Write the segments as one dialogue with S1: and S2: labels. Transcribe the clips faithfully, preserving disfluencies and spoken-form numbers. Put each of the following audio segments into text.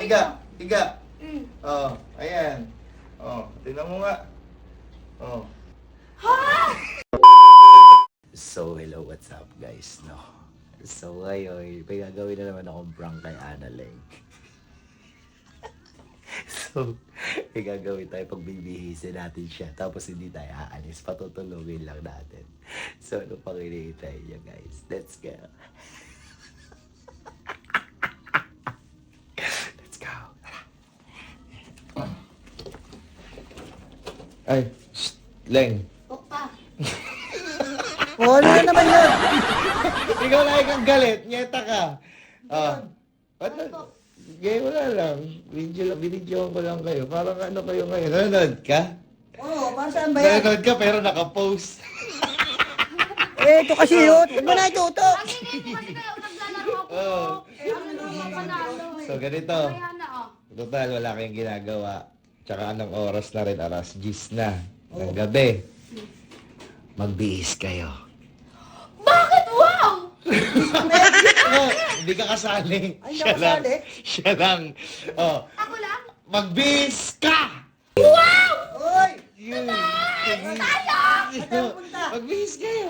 S1: higa, higa.
S2: Mm.
S1: Oh, ayan. Oh, tingnan mo nga. Oh.
S2: Ha?
S3: So, hello, what's up guys, no? So, ngayon, may gagawin na naman akong prank kay Annalyn. So, may gagawin tayo pag bibihisin natin siya, tapos hindi tayo aalis, patutulungin lang natin. So, ano pang hinihintay niya guys? Let's go! Let's go!
S1: Ay, shh, Leng.
S2: Opa.
S4: Wala naman yun.
S1: Ikaw na kang galit, nyeta ka. Ah. Ano? Gaya wala lang. Video lang, binidyoan ko lang kayo. Parang ano kayo ngayon? Nanonood ka?
S4: Oo, para saan ba yan?
S1: Nanonood ka pero nakapost.
S4: Eh, ito kasi yun. Huwag mo na ituto.
S2: Kasi ngayon po kasi kayo naglalaro ako.
S1: Oo.
S2: Eh, ano naman panalo eh.
S1: So, ganito.
S2: Kaya na oh.
S1: Total, wala kayong ginagawa. Tsaka anong oras na rin, alas diyes na. Ng gabi.
S3: Magbihis kayo.
S2: Bakit? Wow!
S1: Oh, hindi ka kasali.
S4: Ay, hindi
S1: Siya
S4: ako
S1: lang.
S4: kasali.
S1: Siya lang. Oh,
S2: Ako lang?
S1: magbihis ka!
S4: Oy!
S1: Yun.
S4: Tayo!
S1: Magbihis kayo.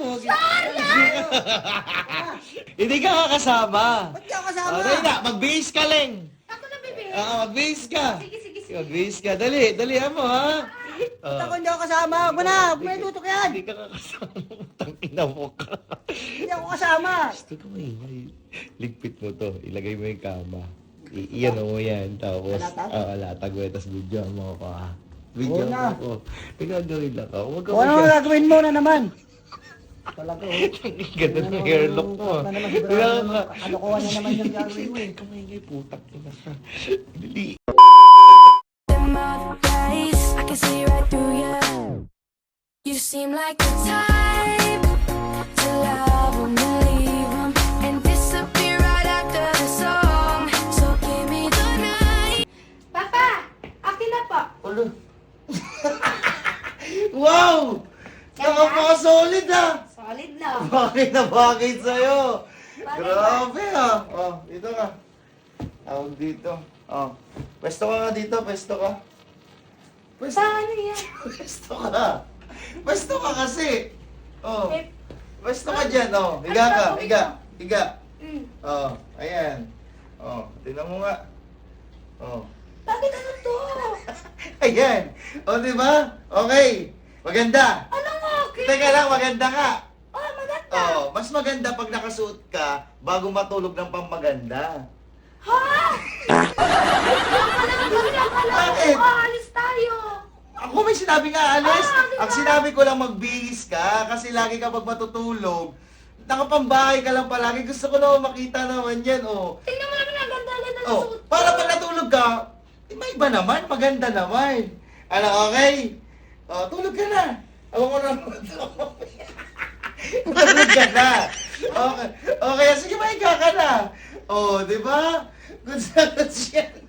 S1: Hindi ka kasama.
S4: Ba't di ako kasama?
S1: Oh, dali na, magbihis ka, Leng.
S2: Ako na bibig.
S1: Oo, magbihis ka.
S2: Sige, sige, sige.
S1: Magbihis ka. Dali, dalihan mo, ha?
S4: Ba't ako hindi ako kasama? Huwag mo na. Huwag mo na itutok yan.
S1: Hindi ka kakasama. Tangina mo ka.
S4: Hindi ako kasama.
S1: Gusto ko maingay. Ligpit mo to. Ilagay mo yung kama. I iyan mo yan. Tapos,
S4: Latag?
S1: oo, latag mo. Tapos video mo ako, ha? Video
S4: Oo
S1: mo
S4: na.
S1: ako. May gagawin lang ako. Huwag ka
S4: Kung ano ang gagawin mo na naman? Talaga, oh.
S1: Ganda ng hairlock mo.
S4: Na naman, sigurado
S1: Kaya
S4: naman,
S1: nga.
S4: kalokohan na naman yung gagawin mo eh.
S1: Kamaingay, putak ina ka. Dali.
S5: Them other days, I can see right through you. You seem like the type to love them, believe them, and disappear right after the song. So give me the night.
S2: Papa! Akin na po.
S1: Ulo. Wow! Nakapaka-solid, ha?
S2: Solid na.
S1: Bakit na bakit sa'yo?
S2: Bakit
S1: Grabe, ha? Oh, dito ka. Tawag dito. Oh. Pwesto ka nga dito, pwesto ka. Pwesto,
S2: Paano yan?
S1: pwesto ka. Pwesto ka kasi. Oh.
S2: Eh,
S1: Pwesto ka dyan, oh. Higa
S2: Ano
S1: ka,
S2: gagawin
S1: higa.
S2: ko?
S1: Higa.
S2: mm.
S1: Oh, ayan. Oh, tingnan mo nga. Oh.
S2: Bakit ano to?
S1: Ayan. Oh, di ba? Okay. Maganda.
S2: Anong okay?
S1: Teka lang, maganda ka.
S2: Oh, maganda.
S1: Oh, mas maganda pag nakasuot ka bago matulog ng pampaganda.
S2: Ha? Yung pala ng pala pala.
S1: Bakit?
S2: Oh, alis tayo.
S1: Ako may sinabi nga, Alice.
S2: Ah, di ba?
S1: Ang sinabi ko lang magbihis ka kasi lagi ka pag matutulog. Nakapambahay ka lang palagi. Gusto ko naman makita naman yan, oh.
S2: Tingnan mo naman ang ganda-ganda ng
S1: Oh,
S2: suot ko.
S1: para pag natulog ka, eh, may iba naman, maganda naman. Ano, okay? Oh, tulog ka na. Alam ko na tulog ka na. Okay, okay, sige, mahiga ka na. Oh, di ba? Good sa good yan.